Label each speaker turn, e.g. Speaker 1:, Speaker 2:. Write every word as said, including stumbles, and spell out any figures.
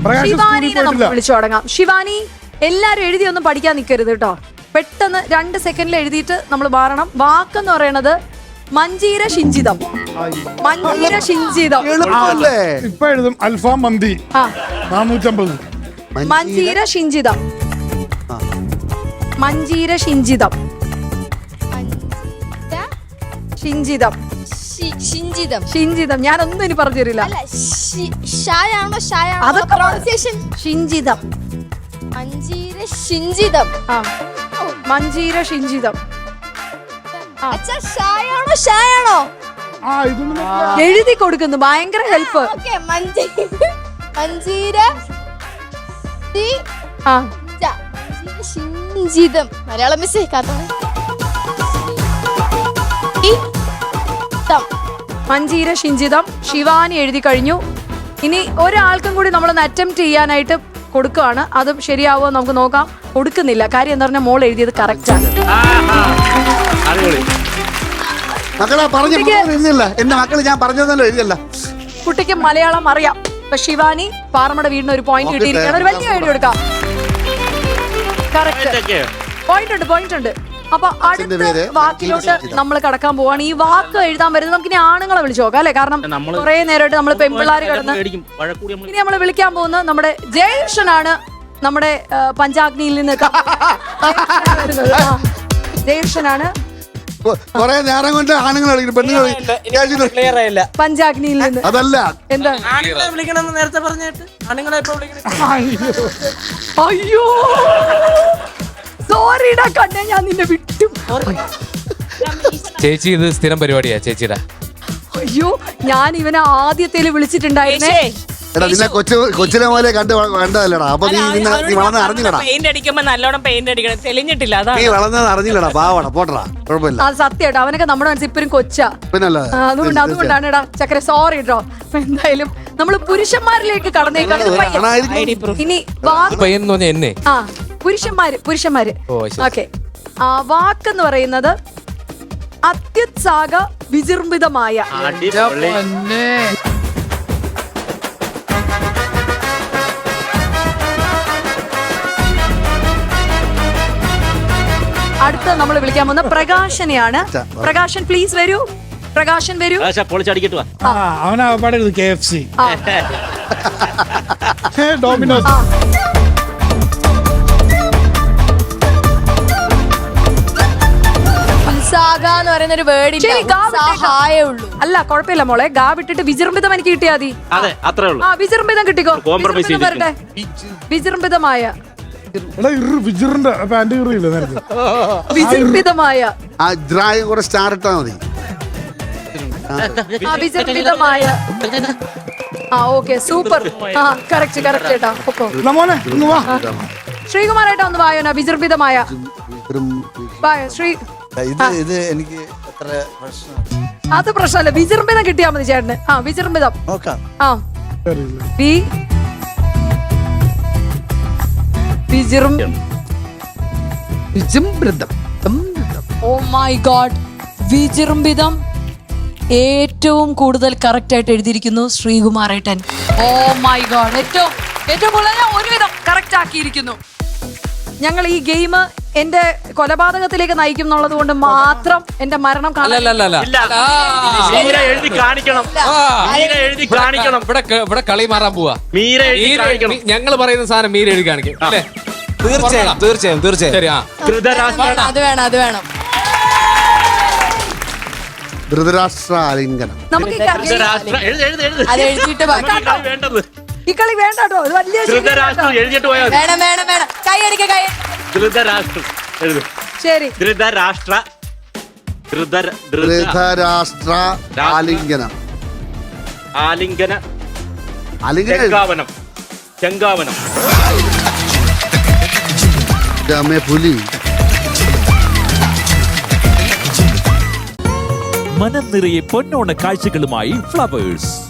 Speaker 1: ശിവാനിനെ നമുക്ക് വിളിച്ചു തുടങ്ങാം. ശിവാനി, എല്ലാരും എഴുതിയൊന്നും പഠിക്കാൻ നിൽക്കരുത് കേട്ടോ. പെട്ടെന്ന് രണ്ട് സെക്കൻഡിൽ എഴുതിയിട്ട് നമ്മൾ മാറണം. വാക്കെന്ന് പറയണത് മഞ്ചീര ഷിഞ്ചിതം. മഞ്ചീര ഷിഞ്ചിതം
Speaker 2: ഇപ്പൊ എഴുതും. അൽഫാം മന്തി നാനൂറ്റമ്പത്.
Speaker 1: മഞ്ചീര ഷിഞ്ചിതം. മഞ്ചീര ഷിഞ്ചിതം. ഷിഞ്ചിതം.
Speaker 3: ഷിഞ്ചിതം.
Speaker 1: ഷിഞ്ചിതം. ഞാനൊന്നും ഇനി പറഞ്ഞു തരില്ല. അതൊക്കെ ഷിഞ്ചിതം.
Speaker 3: മഞ്ചീര ഷിഞ്ചിതം.
Speaker 1: ആ, മഞ്ചീര ഷിഞ്ചിതം.
Speaker 3: ഷായാണോ ഷായാണോ
Speaker 1: എഴുതി കൊടുക്കുന്നു. ഭയങ്കര ഹെൽപ്പ്.
Speaker 3: മഞ്ചീര
Speaker 1: ആ
Speaker 3: ഷിഞ്ചിതം. മലയാളം മിസ്
Speaker 1: മഞ്ചീര ഷിഞ്ചിതം. ശിവാനി എഴുതി കഴിഞ്ഞു. ഇനി ഒരാൾക്കും കൂടി നമ്മളൊന്ന് അറ്റംപ്റ്റ് ചെയ്യാനായിട്ട് കൊടുക്കുകയാണ്. അതും ശരിയാവോ നമുക്ക് നോക്കാം. കൊടുക്കുന്നില്ല. കാര്യം എന്താ പറഞ്ഞാൽ മോൾ എഴുതിയത് കറക്റ്റ് ആണ്.
Speaker 4: മക്കളെ പറഞ്ഞു എഴുതിയല്ല. എന്റെ മക്കള് ഞാൻ പറഞ്ഞതല്ലോ എഴുതിയല്ല.
Speaker 1: കുട്ടിക്ക് മലയാളം അറിയാം. ഇപ്പൊ ശിവാനി പാറമട വീടിന് ഒരു പോയിന്റ് കിട്ടിയിരിക്കുകയാണ്. ഒരു വലിയ എഴുതി കൊടുക്കാം. കറക്റ്റ്. പോയിന്റ് ഉണ്ട്, പോയിന്റ് ഉണ്ട്. അപ്പൊ അടുത്ത വാക്കിലോട്ട് നമ്മൾ കടക്കാൻ പോവാണ്. ഈ വാക്ക് എഴുതാൻ വരുന്നത് നമുക്ക് ഇനി ആണുങ്ങളെ വിളിച്ചു നോക്കാം അല്ലെ? കാരണം കുറെ നേരമായിട്ട് നമ്മൾ പെൺപിള്ളാര് കിടന്ന്. ഇനി നമ്മൾ വിളിക്കാൻ പോകുന്നത് നമ്മുടെ ജയകൃഷ്ണനാണ്. നമ്മുടെ പഞ്ചാഗ്നിയിൽ നിന്ന് ജയകൃഷ്ണനാണ്.
Speaker 4: കൊറേ നേരം കൊണ്ട് ആണുങ്ങൾ പെണ്ണുങ്ങൾ
Speaker 1: പഞ്ചാഗ്നിയിൽ നിന്ന്.
Speaker 4: അതല്ല
Speaker 1: എന്താ
Speaker 5: നേരത്തെ പറഞ്ഞിട്ട് ആണുങ്ങളെ
Speaker 1: അയ്യോ സോറിടാ കണ്ണേ, ഞാൻ നിന്നെ വിട്ടു.
Speaker 6: ചേച്ചി ഇത് സ്ഥിരം പരിപാടിയാ ചേച്ചിയുടെ.
Speaker 1: അയ്യോ, ഞാൻ ഇവനെ ആദ്യത്തേല് വിളിച്ചിട്ടുണ്ടായിരുന്നേ.
Speaker 4: എടാ നിന്നെ കൊച്ചു കൊച്ചിലെ പോലെ കണ്ട് കണ്ടതല്ലടാ. അപ്പൊ നീ നീ വളർന്ന് അറിഞ്ഞില്ലടാ.
Speaker 5: പെയിന്റ് അടിക്കുമ്പോ നല്ലോണം പെയിന്റ് അടിക്കണം. തെളിഞ്ഞിട്ടില്ല.
Speaker 4: നീ വളർന്നത് അറിഞ്ഞില്ലടാ. പാവടാ പോട്ടടാ. കുഴപ്പമില്ല.
Speaker 1: അത് സത്യമായിട്ടോ. അവനൊക്കെ നമ്മുടെ മനസ്സിൽ ഇപ്പഴും കൊച്ചാ.
Speaker 4: പിന്നല്ല
Speaker 1: അതുകൊണ്ട് അതുകൊണ്ടാണ് എടാ ചക്കര സോറി കേട്ടോ. എന്തായാലും നമ്മള് പുരുഷന്മാരിലേക്ക് കടന്നേക്കാണ്. ഇനി
Speaker 6: എന്നെ
Speaker 1: ആ പുരുഷന്മാര് പുരുഷന്മാര് ഓക്കെ. ആ വാക്കെന്ന് പറയുന്നത് അത്യുത്സാഹ വിജൃംഭിതമായ. അടുത്ത നമ്മൾ വിളിക്കാൻ പോകുന്ന പ്രകാശനെയാണ്. പ്രകാശൻ പ്ലീസ് വരൂ. പ്രകാശൻ വരൂ.
Speaker 2: അവനാ പാടരുത്. K F C, Domino's.
Speaker 3: എന്ന് പറയുന്ന ഒരു വേർഡ് ഉള്ളൂ.
Speaker 1: അല്ല കുഴപ്പമില്ല മോളെ. ഗാ വിട്ടിട്ട് വിജൃംഭിതം എനിക്ക് കിട്ടിയാ മതി. ആ വിജൃംഭിതം കിട്ടിക്കോ. വരട്ടെ. വിജൃംഭിതമായ. വിജൃംഭിതമായ.
Speaker 4: സ്റ്റാർ ഇട്ടാ മതി.
Speaker 1: വിജൃംഭിതമായ. ആ ഓക്കെ സൂപ്പർ. ആ കറക്റ്റ് കറക്റ്റ് ഏട്ടാ. ശ്രീകുമാരേട്ടാ ഒന്ന് വായോന. വിജൃംഭിതമായ. ശ്രീ
Speaker 7: ഇത് എനിക്ക് അത്ര
Speaker 1: അത് പ്രശ്നമല്ല. വിജൃംഭിതം കിട്ടിയാ മതി ചേട്ടന്. ആ വിജൃംഭിതം. ആ ഓ മൈ ഗോഡ്. വിജൃംഭിതം ഏറ്റവും കൂടുതൽ കറക്റ്റ് ആയിട്ട് എഴുതിയിരിക്കുന്നു ശ്രീകുമാരേട്ടൻ. Oh my God. ഏറ്റവും ഏറ്റവും കൂടുതൽ ഒരുവിധം കറക്റ്റ് ആക്കിയിരിക്കുന്നു. ഞങ്ങൾ ഈ ഗെയിം എന്റെ കൊലപാതകത്തിലേക്ക് നയിക്കും എന്നുള്ളത് കൊണ്ട് മാത്രം എന്റെ മരണം
Speaker 6: ഇവിടെ കളി മാറാൻ പോവാ. ഞങ്ങൾ പറയുന്ന സാധനം മീര എഴുതി കാണിക്കും അല്ലേ?
Speaker 7: തീർച്ചയായും തീർച്ചയായും തീർച്ചയായും.
Speaker 3: അത് വേണം അത് വേണം.
Speaker 4: ധൃതരാഷ്ട്ര ആലിംഗനം.
Speaker 1: നമുക്ക്
Speaker 3: അത് എഴുതിയിട്ട്
Speaker 1: ഈ കളി വേണ്ട കേട്ടോ. ഇത് വലിയ
Speaker 3: വേണം വേണം വേണം. കൈ അടിക്ക കൈ.
Speaker 1: ശരി.
Speaker 8: ധൃതരാഷ്ട്ര
Speaker 4: ധൃതരാഷ്ട്ര ആലിംഗനം.
Speaker 8: ആലിംഗന
Speaker 4: ആലിംഗനം.
Speaker 8: ചെങ്കാവനം. ചെങ്കാവനം.
Speaker 4: പുലി.
Speaker 9: മനം നിറയെ പൊന്നോണ കാഴ്ചകളുമായി ഫ്ലവേഴ്സ്.